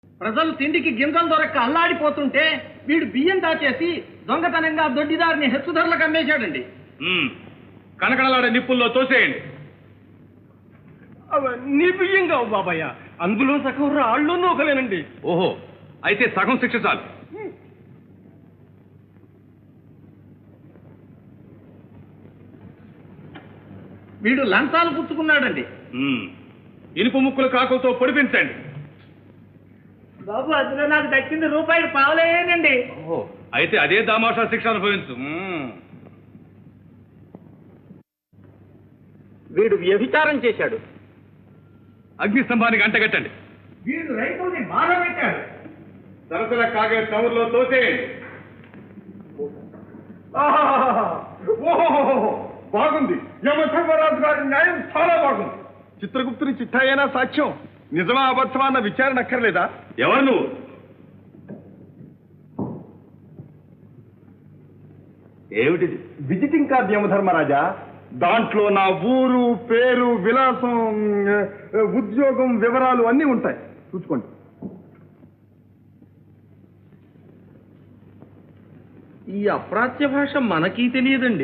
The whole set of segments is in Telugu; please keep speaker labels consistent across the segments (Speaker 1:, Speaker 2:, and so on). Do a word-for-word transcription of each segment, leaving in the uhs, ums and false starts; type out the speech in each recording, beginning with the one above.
Speaker 1: ప్రజలు తిండికి గింజలు దొరక్క అల్లాడిపోతుంటే వీడు బియ్యం దాచేసి దొంగతనంగా దొడ్డిదారిని హెచ్చు ధరలకు అమ్మేశాడండి.
Speaker 2: కనకడలాడే నిప్పుల్లో తోసేయండి.
Speaker 1: నీ బియ్యం కావు బాబాయ్య, అందులో సగం రాళ్ళు నూకలేనండి.
Speaker 2: ఓహో, అయితే సగం శిక్ష చాలు.
Speaker 1: వీడు లంచాలు పుచ్చుకున్నాడండి.
Speaker 2: ఇనుపు ముక్కుల కాకులతో పొడిపించండి.
Speaker 1: బాబు అందులో నాకు దక్కింది రూపాయలు పావలేనండి.
Speaker 2: ఓహో, అయితే అదే దామాషా శిక్ష అనుభవించు.
Speaker 1: వీడు వ్యభిచారం చేశాడు.
Speaker 2: అగ్నిస్తంభానికి అంటగట్టండి.
Speaker 1: వీడు రైతుల్ని బాధపెట్టాడు.
Speaker 2: సరసల కాగే చమురులో తోసేయండి.
Speaker 3: బాగుంది, యమధర్మరాజు గారి న్యాయం చాలా బాగుంది. చిత్రగుప్తుని చిట్టాయేనా సాక్ష్యం? నిజమా అబద్ధమా అన్న విచారణ అక్కర్లేదా?
Speaker 2: ఎవరు నువ్వు?
Speaker 3: ఏమిటిది? Visiting card Yamadharmaraja. దాంట్లో నా ఊరు, పేరు, విలాసం, ఉద్యోగం వివరాలు అన్నీ ఉంటాయి. చూసుకోండి.
Speaker 1: ఈ అప్రాచ్య భాష మనకీ తెలియదండి.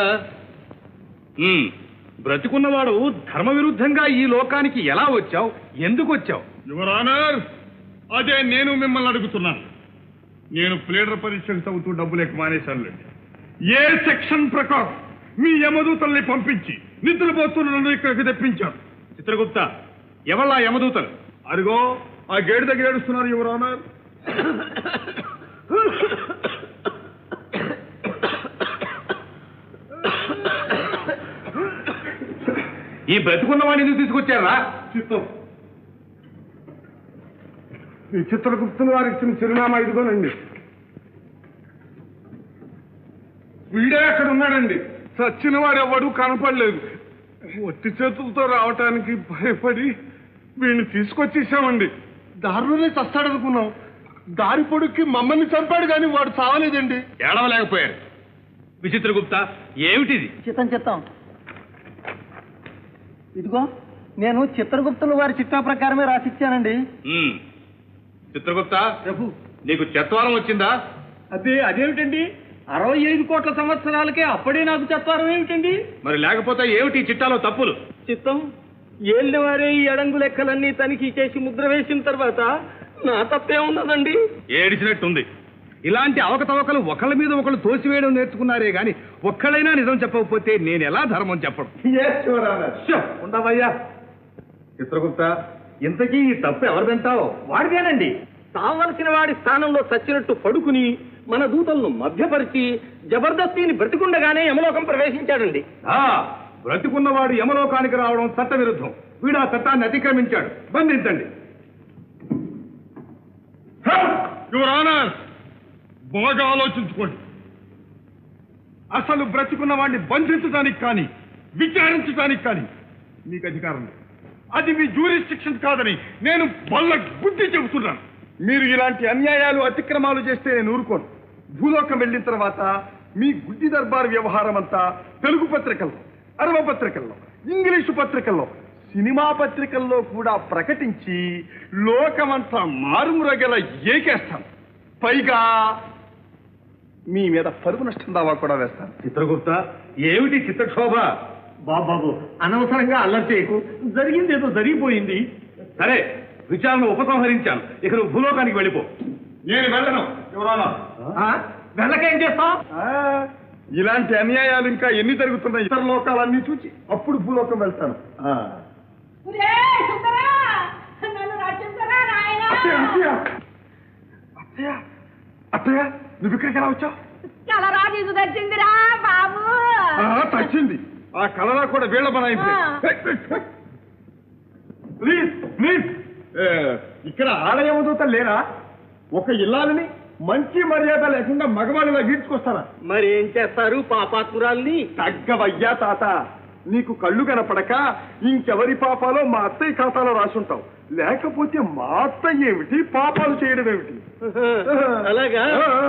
Speaker 2: బ్రతికున్నవాడు ధర్మ విరుద్ధంగా ఈ లోకానికి ఎలా వచ్చావు, ఎందుకు వచ్చావు?
Speaker 3: యువర్ ఆనర్, అదే నేను మిమ్మల్ని అడుగుతున్నాను. నేను ప్లేడర్ పరీక్షకు చదువుతూ డబ్బు లేక మానేశానులేండి. ఏ సెక్షన్ ప్రకారం మీ యమదూతల్ని పంపించి నిద్రపోతున్న నన్ను ఇక్కడికి తెప్పించారు?
Speaker 2: చిత్రగుప్త, ఎవళ్ళా యమదూతలు?
Speaker 3: అదిగో ఆ గేటు దగ్గర ఏడుస్తున్నారు యువర్ ఆనర్.
Speaker 2: ఈ బ్రతికున్నవాడిని ఎందుకు తీసుకొచ్చారా?
Speaker 3: చిత్తం ఈ చిత్రగుప్తుని వారు ఇచ్చిన చిరునామా ఇదిగోనండి. వీడే అక్కడ ఉన్నాడండి. చచ్చిన వాడు ఎవడు కనపడలేదు. ఒట్టి చేతులతో రావటానికి భయపడి వీడిని తీసుకొచ్చేసామండి. దారిలోనే చస్తాడనుకున్నాం. దారి పొడుక్కి మమ్మల్ని చంపాడు కానీ వాడు చావలేదండి.
Speaker 2: ఏడవలేకపోయారు. విచిత్రగుప్త, ఏమిటిది?
Speaker 1: చిత్తం చిత్తం ఇదిగో నేను చిత్రగుప్తుల వారి చిట్టా ప్రకారమే రాసిచ్చానండి.
Speaker 2: చిత్రగుప్త
Speaker 1: ప్రభు,
Speaker 2: నీకు చత్వారం వచ్చిందా?
Speaker 1: అదే అదేమిటండి, అరవై ఐదు కోట్ల సంవత్సరాలకే అప్పుడే నాకు చత్వారం ఏమిటండి?
Speaker 2: మరి లేకపోతే ఏమిటి ఈ చిట్టాలో తప్పులు?
Speaker 1: చిత్తం ఏళ్ళవారే ఈ అడంగు లెక్కలన్నీ తనిఖీ చేసి ముద్ర వేసిన తర్వాత నా తప్పే ఉన్నదండి.
Speaker 2: ఏడిచినట్టుంది. ఇలాంటి అవకతవకలు ఒకళ్ళ మీద ఒకళ్ళు తోసివేయడం నేర్చుకున్నారే గాని ఒక్కళ్ళైనా నిజం చెప్పకపోతే నేను ఎలా ధర్మం చెప్పడం?
Speaker 3: ఉండవయ్యా.
Speaker 2: చిత్రగుప్త, ఇంతకీ ఈ తప్పు ఎవరిదంటావు?
Speaker 1: వాడిదేనండి. కావలసిన వాడి స్థానంలో చచ్చినట్టు పడుకుని మన దూతలను మధ్యపరిచి జబర్దస్తిని బ్రతికుండగానే యమలోకం ప్రవేశించాడండి.
Speaker 2: బ్రతికున్నవాడు యమలోకానికి రావడం చట్ట విరుద్ధం. వీడు ఆ చట్టాన్ని అతిక్రమించాడు. బంధించండి.
Speaker 3: యువర్ ఆనర్, బాగా ఆలోచించుకోండి. అసలు బ్రతికున్న వాడిని బంధించడానికి కానీ విచారించడానికి కానీ మీకు అధికారం లేదు. అది మీ జ్యూరిస్డిక్షన్ కాదని నేను బల్ల గుద్ది చెబుతున్నాను. మీరు ఇలాంటి అన్యాయాలు అతిక్రమాలు చేస్తే నేను ఊరుకోను. భూలోకం వెళ్ళిన తర్వాత మీ గుడ్డి దర్బార్ వ్యవహారం అంతా తెలుగు పత్రికల్లో, అరవ పత్రికల్లో, ఇంగ్లీషు పత్రికల్లో, సినిమా పత్రికల్లో కూడా ప్రకటించి లోకమంతా మారుమురగల ఏకేస్తాను. పైగా మీ మీద పరుగు నష్టం దావా కూడా వేస్తాను.
Speaker 2: చిత్రగుప్త, ఏమిటి చిత్రక్షోభ?
Speaker 1: బాబాబు, అనవసరంగా అల్లరి చేయకు. జరిగింది ఏదో జరిగిపోయింది.
Speaker 2: సరే, విచారణ ఉపసంహరించాను. ఇక నువ్వు భూలోకానికి వెళ్ళిపో.
Speaker 3: నేను వెళ్ళను. ఎవరానా
Speaker 1: వెళ్ళకేం చేస్తాం?
Speaker 3: ఇలాంటి అన్యాయాలు ఇంకా ఎన్ని జరుగుతున్నాయి ఇతర లోకాలన్నీ చూచి అప్పుడు భూలోకం వెళ్తాను. అత్తయ్య, అత్తయ్య, నువ్వు ఇక్కడికి ఎలా వచ్చావు?
Speaker 4: కలరాజు తెచ్చిందిరా బాబు.
Speaker 3: తచ్చింది. ఆ కలరా కూడా వీళ్ళ బనాయింది. ప్లీజ్ ప్లీజ్, ఇక్కడ ఆలయవదూత లేరా? ఒక ఇల్లాలని మంచి మర్యాద లేకుండా మగవాళ్ళలా గీడ్చుకొస్తారా?
Speaker 1: మరి ఏం చేస్తారు పాపాత్మురాల్ని?
Speaker 3: తగ్గవయ్యా తాత, నీకు కళ్ళు కనపడక ఇంకెవరి పాపాలో మా అత్తయ్య ఖాతాలో రాసుంటావు. లేకపోతే మా అత్తయ్య ఏమిటి, పాపాలు చేయడం ఏమిటి?
Speaker 1: అలాగా?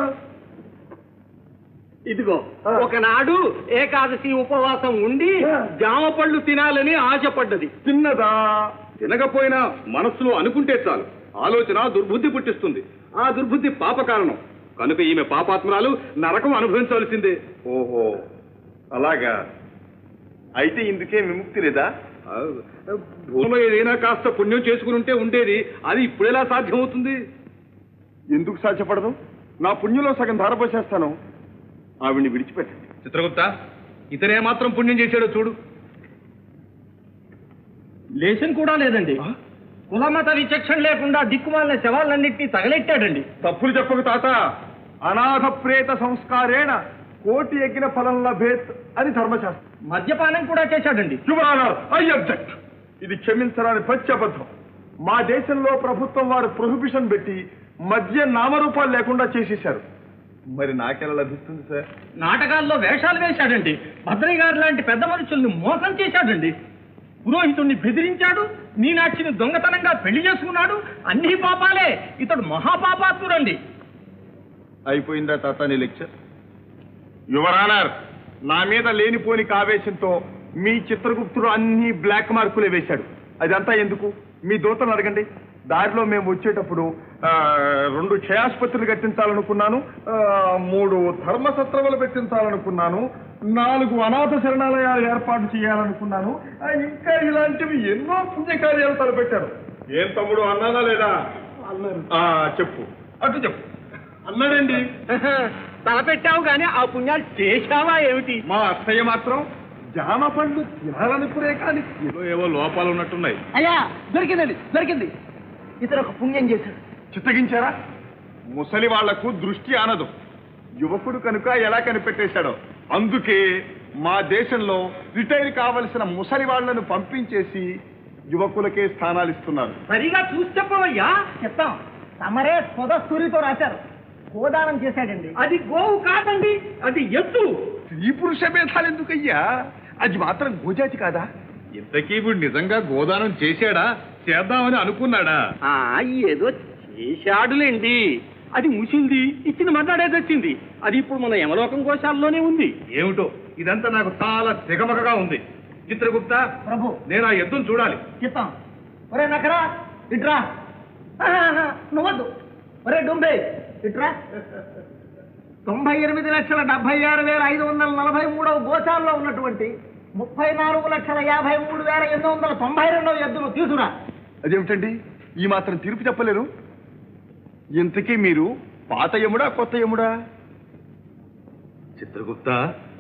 Speaker 1: ఇదిగో, ఒకనాడు ఏకాదశి ఉపవాసం ఉండి జామ పళ్ళు తినాలని ఆశపడ్డది.
Speaker 3: తిన్నదా?
Speaker 2: తినకపోయినా మనస్సులో అనుకుంటే చాలు. ఆలోచన దుర్బుద్ధి పుట్టిస్తుంది. ఆ దుర్బుద్ధి పాప కారణం కనుక ఈమె పాపాత్మరాలు నరకం అనుభవించవలసిందే.
Speaker 3: ఓహో అలాగా, అయితే ఇందుకే విముక్తి లేదా?
Speaker 2: భూమిలో ఏదైనా కాస్త పుణ్యం చేసుకుని ఉంటే ఉండేది, అది ఇప్పుడెలా సాధ్యమవుతుంది?
Speaker 3: ఎందుకు సాధ్యపడదు? నా పుణ్యంలో సగం ధారపోసేస్తాను, ఆవిడ్ని విడిచిపెట్టండి.
Speaker 2: చిత్రగుప్త, ఇతనే మాత్రం పుణ్యం చేశాడో చూడు.
Speaker 1: లేశం కూడా లేదండి. కులమత విచక్షణ లేకుండా దిక్కుమాలిన శవాలన్నింటినీ తగలెట్టాడండి.
Speaker 3: తప్పులు చెప్పకు తాత. అనాథ ప్రేత సంస్కారేణ కోటి ఎగిన ఫలం లభేత్ అని ధర్మశాస్త్రం.
Speaker 1: మద్యపానం కూడా చేశాడండి.
Speaker 3: I object. ఇది క్షమించరాని ప్రత్యబద్ధం. మా దేశంలో ప్రభుత్వం వారు ప్రొహిబిషన్ పెట్టి మద్య నామరూపాలు లేకుండా చేసేశారు. మరి నాకెలా లభిస్తుంది సార్?
Speaker 1: నాటకాల్లో వేషాలు వేశాడండి. భద్రయ్య గారు లాంటి పెద్ద మనుషుల్ని మోసం చేశాడండి. పురోహితుణ్ణి బెదిరించాడు. మీనాక్షిని దొంగతనంగా పెళ్లి చేసుకున్నాడు. అన్ని పాపాలే. ఇతడు మహాపాపాత్ముడండి.
Speaker 3: అయిపోయిందా తాత నీ లెక్చర్? యువర్ ఆనర్, నా మీద లేనిపోని ఆవేశంతో మీ చిత్రగుప్తుడు అన్ని బ్లాక్ మార్కులే వేశాడు. అదంతా ఎందుకు? మీ దూతను అడగండి. దారిలో మేము వచ్చేటప్పుడు రెండు క్షయాసుపత్రులు కట్టించాలనుకున్నాను, మూడు ధర్మసత్రములు పెట్టించాలనుకున్నాను, నాలుగు అనాథ శరణాలయాలు ఏర్పాటు చేయాలనుకున్నాను, ఇంకా ఇలాంటివి ఎన్నో పుణ్యకార్యాలు తలపెట్టారు. ఏం తమ్ముడు అన్నానా లేదా? అన్నారు. చెప్పు, అటు చెప్పు. అన్నాడండి.
Speaker 1: తలపెట్టావు గాని ఆ పుణ్యాలు చేశావా ఏమిటి?
Speaker 3: మా అత్తయ్య మాత్రం జామ పండ్లు తినాలనుకునే కానీ ఏవో లోపాలు ఉన్నట్టున్నాయి.
Speaker 1: అయ్యా దొరికిందండి, దొరికింది. ఇతను ఒక పుణ్యం చేశాడు.
Speaker 3: చిత్తగించారా? ముసలి వాళ్లకు దృష్టి ఆనదు. యువకుడు కనుక ఎలా కనిపెట్టేశాడో. అందుకే మా దేశంలో రిటైర్ కావలసిన ముసలి వాళ్లను పంపించేసి యువకులకే స్థానాలు ఇస్తున్నారు.
Speaker 1: సరిగా చూసి చెప్పవయ్యా. చెప్తాం. తమరే స్వదస్తూరితో రాశారు. గోదానం చేశాడండి. అది గోవు కాదండి, అది ఎద్దు.
Speaker 3: స్త్రీ పురుష భేదాలు ఎందుకయ్యా? అది మాత్రం గోజాతి కాదా?
Speaker 2: ఇంతకీ వీడు నిజంగా గోదానం చేశాడా, చేద్దామని అనుకున్నాడా?
Speaker 1: ఏదో చేశాడులేండి. అది ముసింది, ఇచ్చిన మాట్లాడేది వచ్చింది. అది ఇప్పుడు మన యమలోకం గోశాలలోనే ఉంది.
Speaker 2: ఏమిటో ఇదంతా నాకు చాలా తెగమగగా ఉంది. చిత్రగుప్త
Speaker 1: ప్రభు,
Speaker 2: నేను ఆ ఎద్దును చూడాలి.
Speaker 1: చెప్తాం. ఒరే నకరా ఇట్రా. నువ్వద్దు. ఒరే డుంబే ఇట్రా. తొంభై ఎనిమిది లక్షల డెబ్బై ఆరు వేల ఐదు వందల నలభై మూడవ గోశాలలో ఉన్నటువంటి ముప్పై నాలుగు లక్షల యాభై మూడు వేల ఎనిమిది వందల తొంభై రెండవ ఎద్దును తీసుకురా.
Speaker 3: అదేమిటండి ఈ మాత్రం తీర్పు చెప్పలేరు? ఇంతకీ మీరు పాత యముడా కొత్త యముడా?
Speaker 2: చిత్రగుప్త,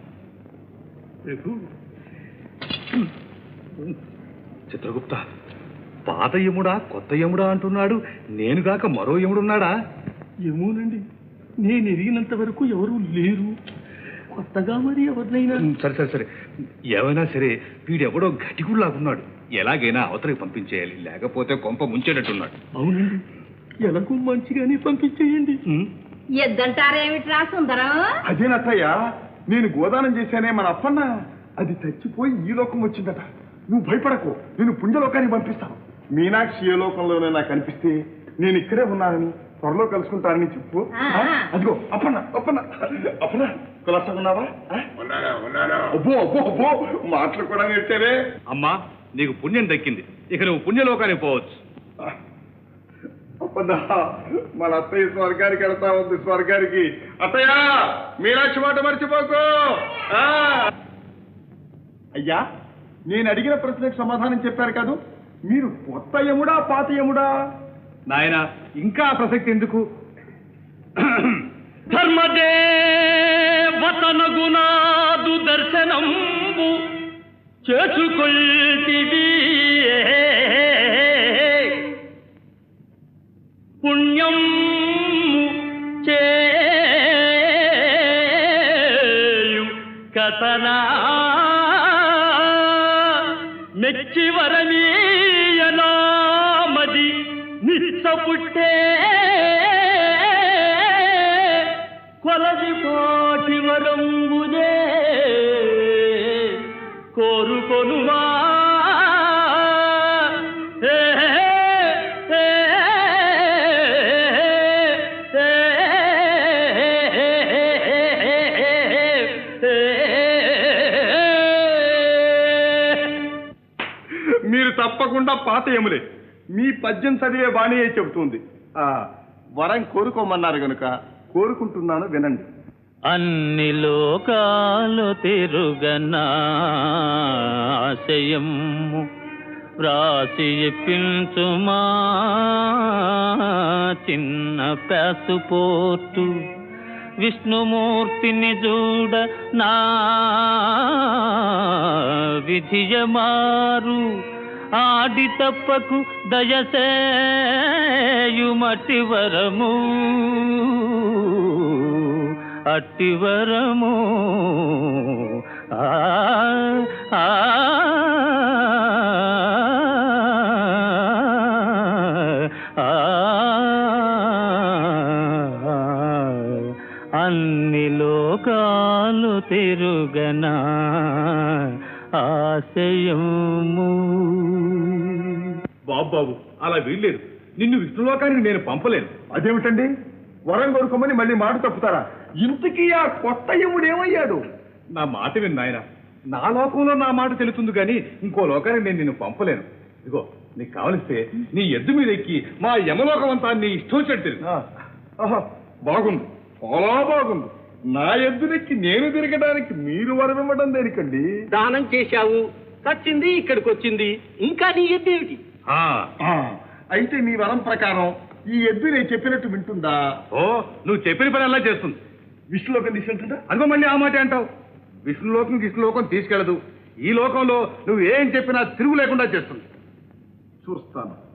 Speaker 2: చిత్రగుప్త, పాత యముడా కొత్త యముడా అంటున్నాడు. నేను కాక మరో యముడున్నాడా?
Speaker 1: ఏమోనండి, నేను ఎరిగినంత వరకు ఎవరూ లేరు. కొత్తగా మరి ఎవరినైనా.
Speaker 2: సరే సరే సరే ఏమైనా సరే వీడెవడో గట్టిగుళ్ళాగున్నాడు. ఎలాగైనా అవతలికి పంపించేయాలి, లేకపోతే కొంప ముంచేటట్టున్నాడు.
Speaker 1: అవునండి, ఎలాగో మంచిగానే పంపించేయండి.
Speaker 4: ఎద్దంటారేమిట్రా సుందరం?
Speaker 3: అదేనత్తయ్య, నేను గోదానం చేశానే మన అప్పన్న, అది చచ్చిపోయి ఈ లోకం వచ్చిందట. నువ్వు భయపడకు, నేను పుణ్యలోకానికి పంపిస్తాను. మీనాక్షి ఏ లోకంలోనే నాకు అనిపిస్తే నేను ఇక్కడే ఉన్నానని, త్వరలో కలుసుకుంటానని చెప్పు. అదిగో అప్పన్న, అప్పన్న అప్పన్న కులాసకున్నావా? అబ్బో అబ్బో అబ్బో మాటలు కూడా నేర్చారే.
Speaker 2: అమ్మా, నీకు పుణ్యం దక్కింది. ఇక నువ్వు పుణ్యలోకానికి పోవచ్చు.
Speaker 3: అప్పన్న, మన అత్తయ్య స్వర్గానికి వెళ్తా ఉంది. స్వర్గానికి. అత్తయ్య, మీనాక్షి మాట మర్చిపోకు. అయ్యా, నేను అడిగిన ప్రశ్నకు సమాధానం చెప్పారు కాదు. మీరు కొత్త యముడా పాత యముడా?
Speaker 2: నాయన, ఇంకా ప్రసక్తి ఎందుకు?
Speaker 1: ధర్మదేవతనగునాదు దర్శనంబు చేసుకొల్టివి పుణ్యం చేయు కథనా మెచ్చి వరమీయనామది నిచ్చపుట్టే కొలది కోటి వరంబునే కోరుకొనుమా.
Speaker 3: మీరు తప్పకుండా పాత యములే. మీ పద్యం చదివే బాణీయే చెబుతుంది ఆ, వరం కోరుకోమన్నారు గనుక కోరుకుంటున్నాను, వినండి.
Speaker 5: అన్ని లోకాలు తిరుగనాశయము వ్రాసి ఇప్పించుమా చిన్న పాసుపోర్టు విష్ణుమూర్తిని చూడ నా విధియమారు ఆడి తప్పకు దయసేయుమటి వరము అట్టివరము ఆ ఆ అన్ని లోకాలు తిరుగనా ఆశయము.
Speaker 2: బాబు బాబు అలా వీల్లేదు. నిన్ను విష్ణులోకానికి నేను పంపలేను.
Speaker 3: అదేమిటండి, వరం కోరుకోమని మళ్ళీ మాట తప్పుతారా? ఇంతకీ ఆ కొత్త యముడు ఏమయ్యాడు?
Speaker 2: నా మాట విను నాయన. నా లోకంలో నా మాట తెలుస్తుంది కానీ ఇంకో లోకానికి నేను నిన్ను పంపలేను. ఇదిగో నీకు కావలిస్తే నీ ఎద్దు మీద ఎక్కి మా యమలోకం అంతా నీ ఇష్టం వచ్చేట్టు తిరుగు.
Speaker 3: ఆ, ఆహా, బాగుంది, చాలా బాగుంది. నా ఎద్దునెక్కి నేను తిరగడానికి మీరు వరం ఇవ్వడం దేనికండి?
Speaker 1: దానం చేశావు, చచ్చింది, ఇక్కడికి వచ్చింది, ఇంకా నీ ఎద్దేమిటి?
Speaker 2: ఆ,
Speaker 3: ఆ, అయితే మీ వరం ప్రకారం ఈ ఎద్దు నేను చెప్పినట్టు వింటుందా?
Speaker 2: ఓ నువ్వు చెప్పిన పని అలా చేస్తుంది.
Speaker 3: విష్ణులోకం తీసుకెళ్తుందా?
Speaker 2: అదిగో మళ్ళీ ఆ మాట అంటావు. విష్ణులోకం విష్ణులోకం తీసుకెళ్ళదు. ఈ లోకంలో నువ్వు ఏం చెప్పినా తిరుగు లేకుండా చేస్తుంది.
Speaker 3: చూస్తాను.